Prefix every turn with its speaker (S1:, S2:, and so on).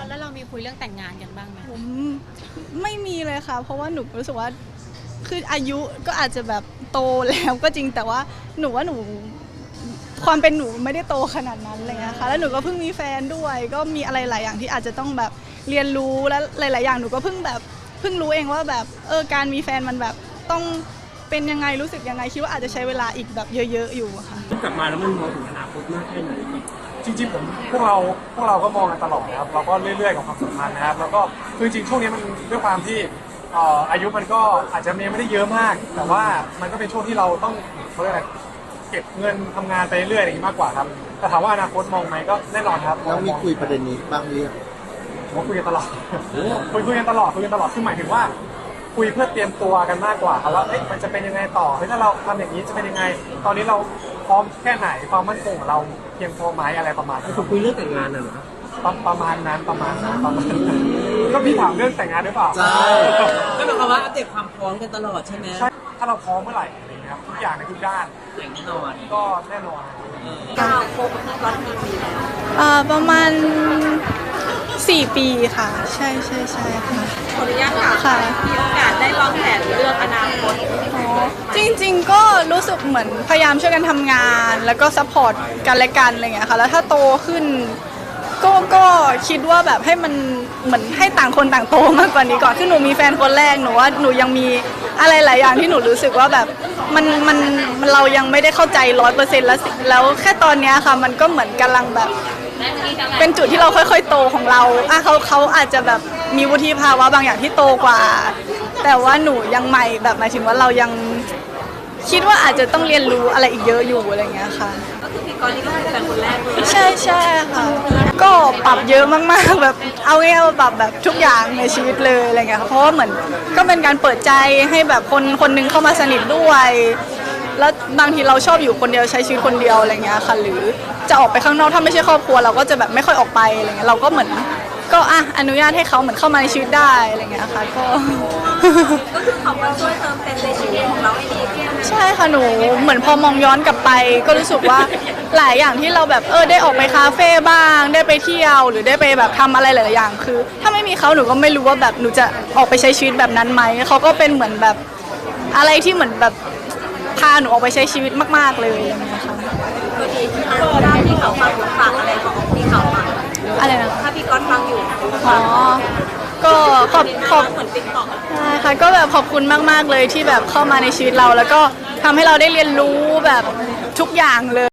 S1: แล้วเรามีคุยเรื่องแต่งงานกันบ้างไหม
S2: ผมไม่มีเลยค่ะเพราะว่าหนูรู้สึกว่าคืออายุก็อาจจะแบบโตแล้วก็จริงแต่ว่าหนูความเป็นหนูไม่ได้โตขนาดนั้นอะไรเงี้ยค่ะแล้วหนูก็เพิ่งมีแฟนด้วยก็มีอะไรหลายอย่างที่อาจจะต้องแบบเรียนรู้และหลายๆอย่างหนูก็เพิ่งรู้เองว่าแบบการมีแฟนมันแบบต้องเป็นยังไงรู้สึกยังไงคิดว่าอาจจะใช้เวลาอีกแบบเยอะๆอยู่ค่ะ
S3: กลับมาแล้วมันมองถึงอนาคตมากแค่ไหน
S4: จริงๆพวกเราก็มองกันตลอดนะครับเราก็เรื่อยๆกับความสัมพันธ์นะครับแล้วก็คือจริงช่วงนี้มันด้วยความที่อายุมันก็อาจจะไม่ได้เยอะมาก แต่ว่ามันก็เป็นช่วงที่เราต้องเขาเรียกอะไรเก็บเงินทำงานไปเรื่อยๆอย่างนี้มากกว่าครับแต่ถามว่าอนาคตมองไหมก็แน่นอนครับ
S5: แล้วมีคุยประเด็นนี้บ้างหรือยัง
S4: ผมคุยกันตลอดคุยกันตลอดคือหมายถึงว่าคุยเพื่อเตรียมตัวกันมากกว่าครับว่ามันจะเป็นยังไงต่อถ้าเราทำอย่างนี้จะเป็นยังไงตอนนี้เราพร้อมแค่ไหนความมั่นคงของเราเพียงพอไหมอะไรประมาณนั้น
S3: คุยเรื่องแต่งงานน่ะเหรอ
S4: ประมาณนั้นก็พี่ถามเรื่องแต่งงานหรือเปล่า
S5: ใช่
S3: ก็หมายความว่าอัปเดตความพร้อมกันตลอดใช่ไหม
S4: ใช่ถ้าเราพร้อมเมื่อไหร่อะไรเงี้ยครับทุกอย่างในทุกด้าน
S3: แต่งแน่นอน
S4: ก็แน่นอน
S2: ประมาณ4 ปีค่ะใช่ค่ะ
S1: ขออนุญาตค่ะมีโอกาสได้วางแผนเรื่องอนาคต
S2: จริงๆก็รู้สึกเหมือนพยายามช่วยกันทำงานแล้วก็ซัพพอร์ตกันและกันอะไรเงี้ยค่ะแล้วถ้าโตขึ้นก็คิดว่าแบบให้มันเหมือนให้ต่างคนต่างโตมากกว่านี้ก่อนคือหนูมีแฟนคนแรกหนูว่าหนูยังมีอะไรหลายอย่างที่หนูรู้สึกว่าแบบมันเรายังไม่ได้เข้าใจ100%แล้วแค่ตอนนี้ค่ะมันก็เหมือนกำลังแบบเป็นจุดที่เราค่อยๆโตของเราเขาอาจจะแบบมีวุฒิภาวะบางอย่างที่โตกว่าแต่ว่าหนูยังใหม่แบบหมายถึงว่าเรายังคิดว่าอาจจะต้องเรียนรู้อะไรอีกเยอะอยู่อะไรเงี้ยค่ะ
S1: ก็คือพี่กรณ์นี่ก็เป็นแฟนคนแรกเลย
S2: ใช่ค่ะก็ปรับเยอะมากๆแบบเอาง่ายๆปรับแบบทุกอย่างในชีวิตเลยอะไรเงี้ยค่ะเพราะว่าเหมือนก็เป็นการเปิดใจให้แบบคนนึงเข้ามาสนิทด้วยแล้วบางทีเราชอบอยู่คนเดียวใช้ชีวิตคนเดียวอะไรเงี้ยค่ะหรือจะออกไปข้างนอกถ้าไม่ใช่ครอบครัวเราก็จะแบบไม่ค่อยออกไปอะไรเงี้ยเราก็เหมือนก็อนุญาตให้เขาเหมือนเข้ามาในชีวิตได้อะไรเงี้ยค่ะก็
S1: คือเขามาช่วยเติมเต็มในชีวิตของเราให้ดีขึ้น
S2: ใช่ค่ะหนูเหมือนพอมองย้อนกลับไปก็รู้สึกว่าหลายอย่างที่เราแบบได้ออกไปคาเฟ่บ้างได้ไปเที่ยวหรือได้ไปแบบทำอะไรหลายๆอย่างคือถ้าไม่มีเขาหนูก็ไม่รู้ว่าแบบหนูจะออกไปใช้ชีวิตแบบนั้นไหมเขาก็เป็นเหมือนแบบอะไรที่เหมือนแบบพาหนูออกไปใช้ชีวิตมากๆเลยอะไรเงี้ยค่ะ
S1: ก็ดีถ้าพี่เขาฟังฝากอะไรของพี่เขาฟัง
S2: อะไรนะ
S1: ถ้าพี่กรณ์ฟังอยู่
S2: อ๋อก็ขอบ
S1: เหมือนติ๊กต็อก
S2: ใช่ค่ะก็แบบขอบคุณมากๆเลยที่แบบเข้ามาในชีวิตเราแล้วก็ทำให้เราได้เรียนรู้แบบทุกอย่างเลย